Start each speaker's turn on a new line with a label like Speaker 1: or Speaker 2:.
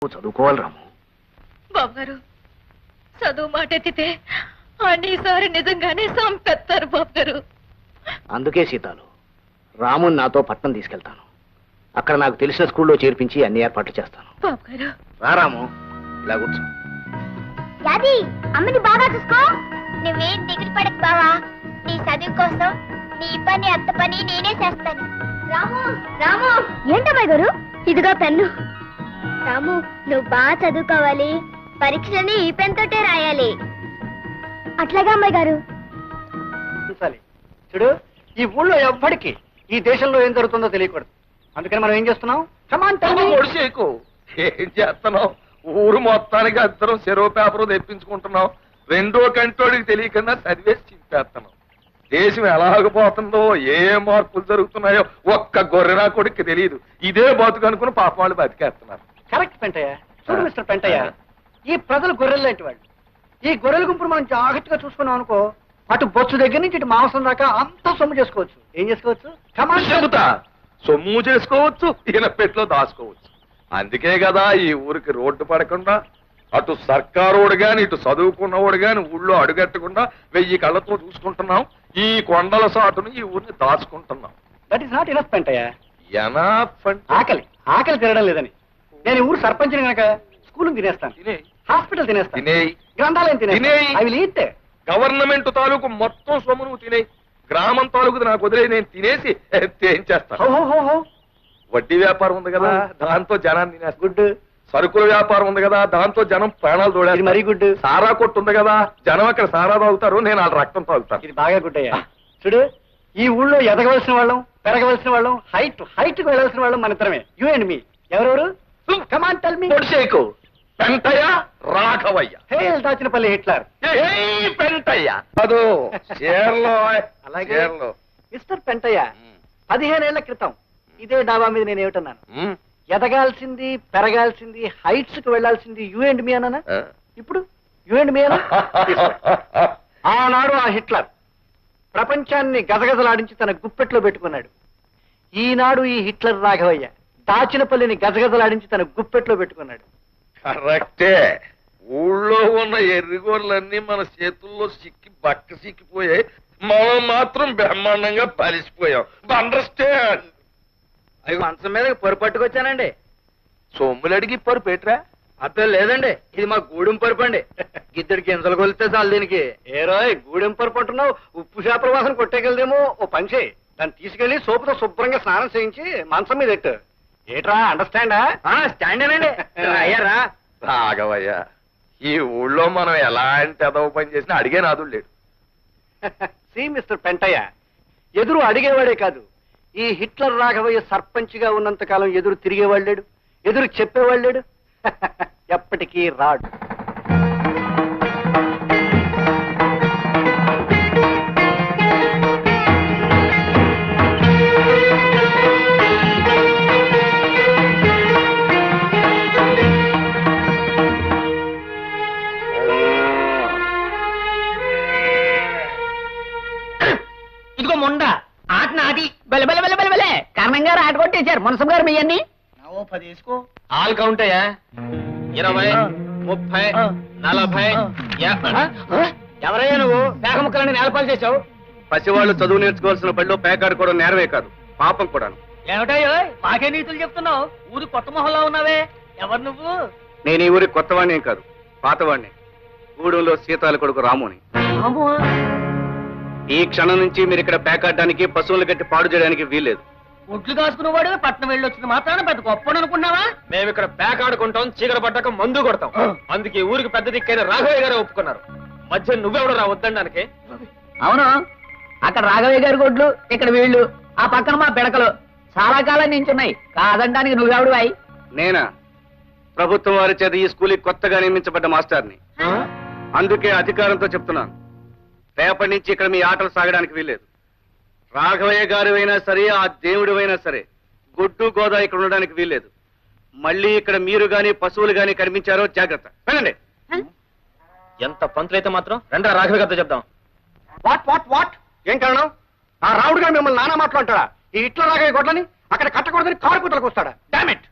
Speaker 1: చదువుకోవాలి రాము.
Speaker 2: బాబు గారు చదువు మాట ఎత్తితే అన్నిసారి నిజంగానే సంపెత్తారు బాబు గారు.
Speaker 1: అందుకే సీతాలు రాముని నాతో పట్నం తీసుకెళ్తాను. అక్కడ నాకు తెలిసిన స్కూల్లో చేర్పించి అన్ని ఏర్పాట్లు చేస్తాను.
Speaker 2: బాబు గారు
Speaker 1: రా రాము, ఇలా కూర్చో.
Speaker 3: యాది అమ్మని బాగా చూసుకో. నువ్వేం దిగులు పడకు బావా. నీ చదువు కోసం నీ పని అత్త పని నేనే చేస్తాను. రాము రాము ఏంటమ్మాయి గారు, ఇదిగో పెన్ను. రాము నువ్వు బాగా చదువుకోవాలి. పరీక్షలని ఈ పెన్ తోటే రాయాలి. అట్లాగా అమ్మాయి గారు.
Speaker 1: చూడు, ఈ ఊళ్ళో ఎవ్వడికి ఈ దేశంలో ఏం జరుగుతుందో తెలియకూడదు. అందుకని మనం ఏం చేస్తున్నాం?
Speaker 4: ఒడిసేకు ఏం చేస్తున్నావు? ఊరు మొత్తానికి అందరం సెరవు పేపర్ తెప్పించుకుంటున్నాం. రెండో కంటోడికి తెలియకుండా చదివేసి చింపేస్తున్నాం. దేశం ఎలాగపోతుందో ఏ మార్పులు జరుగుతున్నాయో ఒక్క గొర్రెనా కొడుక్కి తెలియదు. ఇదే బతుకు అనుకుని పాప వాళ్ళు బతికేస్తున్నారు.
Speaker 1: కరెక్ట్ పెంటయ్య. చూడు మిస్టర్ పెంటయ్య, ఈ ప్రజలు గొర్రెలు లాంటి వాళ్ళు. ఈ గొర్రెల గుంపును మనం జాగ్రత్తగా చూసుకున్నాం అనుకో, అటు బొచ్చు దగ్గర నుంచి ఇటు మాంసం దాకా అంతా సొమ్ము చేసుకోవచ్చు. ఏం చేసుకోవచ్చు?
Speaker 4: చెబుతా, సొమ్ము చేసుకోవచ్చు, ఈయన పెట్లో దాచుకోవచ్చు. అందుకే కదా ఈ ఊరికి రోడ్డు పడకుండా అటు సర్కారోడు గాని ఇటు చదువుకున్నవాడు గాని ఊళ్ళో అడుగట్టకుండా 1000 కళ్ళతో చూసుకుంటున్నాం. ఈ కొండల సాటును ఈ ఊరిని దాచుకుంటున్నాం.
Speaker 1: That is not enough Pentayya.
Speaker 4: Enough అంటే
Speaker 1: ఆకలి ఆకలి తినడం లేదని నేను ఈ ఊరు సర్పంచిని కనుక స్కూల్ తినేస్తాను,
Speaker 4: తినేయ్.
Speaker 1: హాస్పిటల్ తినేస్తాను,
Speaker 4: తినేయ్.
Speaker 1: గ్రంథాలయం
Speaker 4: తినేయ్.
Speaker 1: తినేస్తాను. I will eat.
Speaker 4: గవర్నమెంట్ తాలూకు మొత్తం సొమ్ము నువ్వు తినేయి. గ్రామం తాలూకు నాకు వదిలే నేను తినేసి ఏం చేస్తాను? వడ్డీ వ్యాపారం ఉంది కదా, దాంతో జనాన్ని తినేస్తా.
Speaker 1: గుడ్.
Speaker 4: సరుకుల వ్యాపారం ఉంది కదా, దాంతో జనం ప్రాణాలు తోడేది.
Speaker 1: మరీ గుడ్.
Speaker 4: సారా కొట్టు ఉంది కదా, జనం అక్కడ సారా తాగుతారు, నేను వాళ్ళ రక్తం తాగుతాను.
Speaker 1: ఇది బాగా గుడ్ అయ్యా. చూడు, ఈ ఊళ్ళో ఎదగవలసిన వాళ్ళం, పెరగవలసిన వాళ్ళం, హైట్ కు వెళ్ళవలసిన వాళ్ళం మన ఇద్దరమే. You and me. ఎవరెవరు? Come on tell me.
Speaker 4: పొడిసేకు పెంటయ్య, రాఘవయ్య.
Speaker 1: Hail Dachinapalli Hitler.
Speaker 4: ఏయ్ పెంటయ్య అదో చీరలో.
Speaker 1: అలాగే మిస్టర్ పెంటయ్య, 15 ఏళ్ల క్రితం ఇదే డాబా మీద నేను ఏమిటన్నాను? ఎదగాల్సింది, పెరగాల్సింది, హైట్స్ కు వెళ్లాల్సింది యూ అండ్ మీ అన్నానా? ఇప్పుడు యూ అండ్ మీ అన్నా? ఆనాడు ఆ హిట్లర్ ప్రపంచాన్ని గజగజలాడించి తన గుప్పెట్లో పెట్టుకున్నాడు. ఈనాడు ఈ హిట్లర్ రాఘవయ్య దాచినపల్లిని గజగజలాడించి తన గుప్పెట్లో పెట్టుకున్నాడు.
Speaker 4: కరెక్టే. ఊళ్ళో ఉన్న ఎర్రిగోళ్ళన్నీ మన చేతుల్లో బక్క సిక్కిపోయాయి. మనం మాత్రం బ్రహ్మాండంగా పలిసిపోయాం. అండర్స్టాండ్?
Speaker 1: అవి మంచం మీద పొరు పట్టుకొచ్చానండి.
Speaker 4: సొమ్ములు అడిగి పరు పెట్టరా?
Speaker 1: అర్థం లేదండి, ఇది మా గూడెం పరుపు అండి. గిద్దడికి గింజలు కొలితే చాలు దీనికి. ఏ రోయ్ గూడెం పరుపు అంటున్నావు? ఉప్పు చేపల వాసన కొట్టేకెళ్దేమో. ఓ పని చేయి, దాన్ని తీసుకెళ్లి సోపుతో శుభ్రంగా స్నానం చేయించి మంచం మీద ఎట్టు. ఏట్రా, అండర్స్టాండా? స్టాండేనండి. అయ్యారా
Speaker 4: రాఘవయ్య, ఈ ఊళ్ళో మనం ఎలాంటి ఎదవ పని చేసినా అడిగే నాదుడు లేడు.
Speaker 1: సి మిస్టర్ పెంటయ్య, ఎదురు అడిగేవాడే కాదు, ఈ హిట్లర్ రాఘవయ్య సర్పంచ్ గా ఉన్నంత కాలం ఎదురు తిరిగేవాడు లేడు, ఎదురు చెప్పేవాడు లేడు. ఎప్పటికీ రాడు.
Speaker 5: ఇదిగో మొండ ఆట నాది బెల బెల బెల బెల బెలే కర్ణం గారు ఆట కొట్టేశారు. మునసం గారు మీ అన్ని
Speaker 1: 10 వేసుకో.
Speaker 4: ఆల్ కౌంట్ అయ్యా. 20, 30, 40.
Speaker 1: ఎవరయ్యా నువ్వు? పేక ముక్కలని నేలపాలు చేశావు.
Speaker 4: పసివాళ్ళు చదువు నేర్చుకోవాల్సిన బడిలో పేకాడుకోవడం నేరమే కాదు, పాపం కూడాను.
Speaker 5: ఏమిటయ్యో మాకే నీతులు చెప్తున్నావు? ఊరు కొత్త మొహంలో ఉన్నావే, ఎవరు నువ్వు?
Speaker 4: నేను ఈ ఊరి కొత్తవాణ్ణి కాదు, పాతవాణ్ణి. గూడెంలో సీతాల కొడుకు రాముని. ఈ క్షణం నుంచి మీరు ఇక్కడ పేకాడడానికి, పశువులు కట్టి పాడు చేయడానికి వీల్లేదు.
Speaker 5: ఒడ్లు కాసుకునేవాడు పట్నం వెళ్ళొచ్చింది మాత్రాన పెద్ద గొప్ప అనుకున్నావా?
Speaker 4: మేము ఇక్కడ పేకాడుకుంటాం, చీకట పడ్డాక మందు కొడతాం. అందుకే ఊరికి పెద్ద దిక్కైన రాఘవయ్య గారే ఒప్పుకున్నారు. మధ్య నువ్వెవడు రా వద్దండానికి?
Speaker 5: అవును, అక్కడ రాఘవయ్య గారి గొడ్లు, ఇక్కడ వీళ్ళు, ఆ పక్కన మా పిడకలు చాలా కాలం నించున్నాయి. కాదంటానికి నువ్వెవడు అయి?
Speaker 4: నేనా? ప్రభుత్వం వారి చేత ఈ స్కూల్కి కొత్తగా నియమించబడ్డ మాస్టర్ని. అందుకే అధికారంతో చెప్తున్నాను, రేపటి నుంచి ఇక్కడ మీ ఆటలు సాగడానికి వీల్లేదు. రాఘవయ్య గారు అయినా సరే, ఆ దేవుడు అయినా సరే, గొడ్డు గోదా ఇక్కడ ఉండడానికి వీల్లేదు. మళ్ళీ ఇక్కడ మీరు గాని పశువులు గాని కనిపించారో జాగ్రత్త. వెళ్ళండి. ఎంత పంతులైతే మాత్రం రండి రాఘవయ్య గారితో చెప్దాం.
Speaker 1: What what what? ఏం కారణం? ఆ రావుడు గారు మిమ్మల్ని నానా మాట్లాడతాడా? ఈ ఇట్లా రాఘవయ్య గొడ్లని అక్కడ కట్టకూడదని కారు కూతలకు వస్తాడా? Damn it.